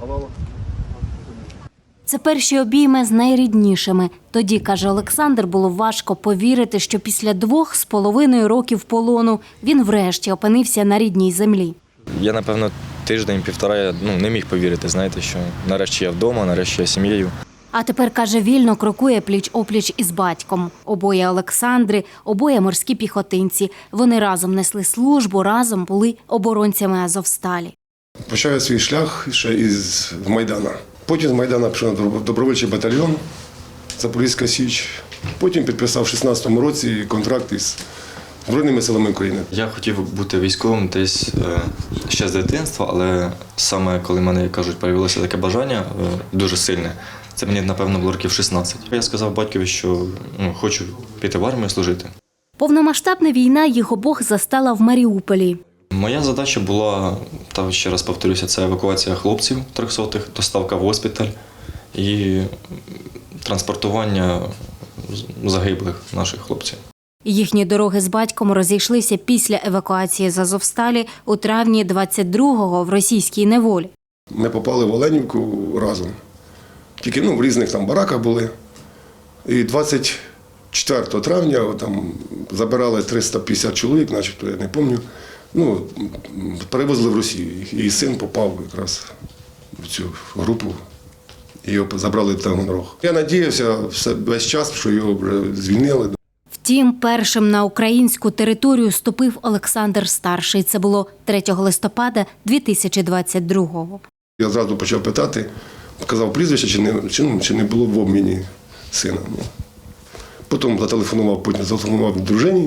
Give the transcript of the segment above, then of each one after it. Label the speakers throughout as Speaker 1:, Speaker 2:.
Speaker 1: Це перші обійми з найріднішими. Тоді, каже Олександр, було важко повірити, що після 2,5 років полону він врешті опинився на рідній землі.
Speaker 2: Я, напевно, тиждень-півтора не міг повірити, знаєте, що нарешті я вдома, нарешті я сім'єю.
Speaker 1: А тепер, каже, вільно крокує пліч-опліч із батьком. Обоє Олександри, обоє морські піхотинці. Вони разом несли службу, разом були оборонцями Азовсталі.
Speaker 3: Почав я свій шлях ще із Майдана. Потім з Майдана пішов на добровольчий батальйон Запорізька Січ. Потім підписав у 16-му році контракт із Збройними силами України.
Speaker 2: Я хотів бути військовим десь ще з дитинства, але саме коли в мене, як кажуть, з'явилося таке бажання дуже сильне, це мені, напевно, було років 16. Я сказав батькові, що хочу піти в армію служити.
Speaker 1: Повномасштабна війна їх обох застала в Маріуполі.
Speaker 2: Моя задача була, та ще раз повторюся, це евакуація хлопців 300-х, доставка в госпіталь і транспортування загиблих наших хлопців.
Speaker 1: Їхні дороги з батьком розійшлися після евакуації з Азовсталі у травні 22-го в російській неволі.
Speaker 3: Ми попали в Оленівку разом. Тільки в різних там бараках були. І 24 травня там забирали 350 чоловік, начебто, я не пам'ятаю. Перевезли в Росію. І син попав якраз в цю групу. І його забрали в Таганрог. Я надіявся весь час, що його вже звільнили.
Speaker 1: Втім, першим на українську територію ступив Олександр Старший. Це було 3 листопада 2022-го.
Speaker 3: Я одразу почав питати, казав прізвище, чи не було в обміні сина. Потім зателефонував дружині.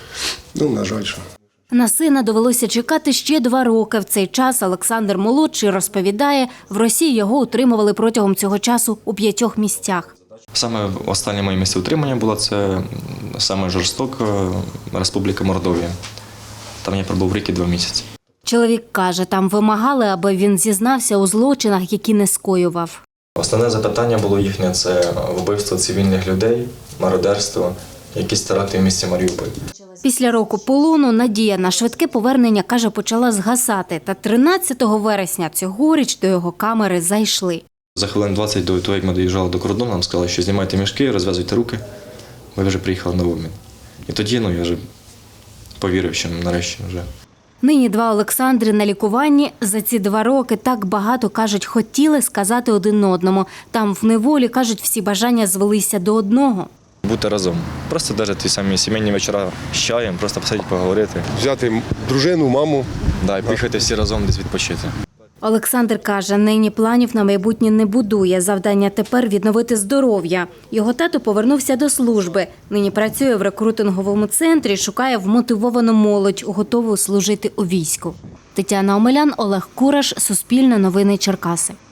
Speaker 3: На жаль, що.
Speaker 1: На сина довелося чекати ще 2 роки. В цей час Олександр Молодший розповідає, в Росії його утримували протягом цього часу у 5 місцях.
Speaker 2: Саме останнє моє місце утримання було це саме жорстока Республіка Мордовія. Там я пробув рік і 2 місяці.
Speaker 1: Чоловік каже, там вимагали, аби він зізнався у злочинах, які не скоював.
Speaker 2: Основне запитання було їхнє – це вбивство цивільних людей, мародерство, якісь теракти в місті Маріуполь.
Speaker 1: Після року полону надія на швидке повернення, каже, почала згасати. Та 13 вересня цьогоріч до його камери зайшли.
Speaker 2: За хвилин 20 до того, як ми доїжджали до кордону, нам сказали, що знімайте мішки, розв'язуйте руки. Ми вже приїхали на обмін. І тоді я вже повірив, що нарешті вже.
Speaker 1: Нині 2 Олександри на лікуванні. За ці 2 роки так багато, кажуть, хотіли сказати один одному. Там в неволі, кажуть, всі бажання звелися до одного.
Speaker 2: Бути разом. Просто навіть ті самі сімейні вечора з чаєм, просто посидіти, поговорити.
Speaker 3: Взяти дружину, маму.
Speaker 2: І поїхати всі разом десь відпочити.
Speaker 1: Олександр каже, нині планів на майбутнє не будує. Завдання тепер – відновити здоров'я. Його тато повернувся до служби. Нині працює в рекрутинговому центрі, шукає вмотивовану молодь, готову служити у війську. Тетяна Омелян, Олег Кураш, Суспільне новини Черкаси.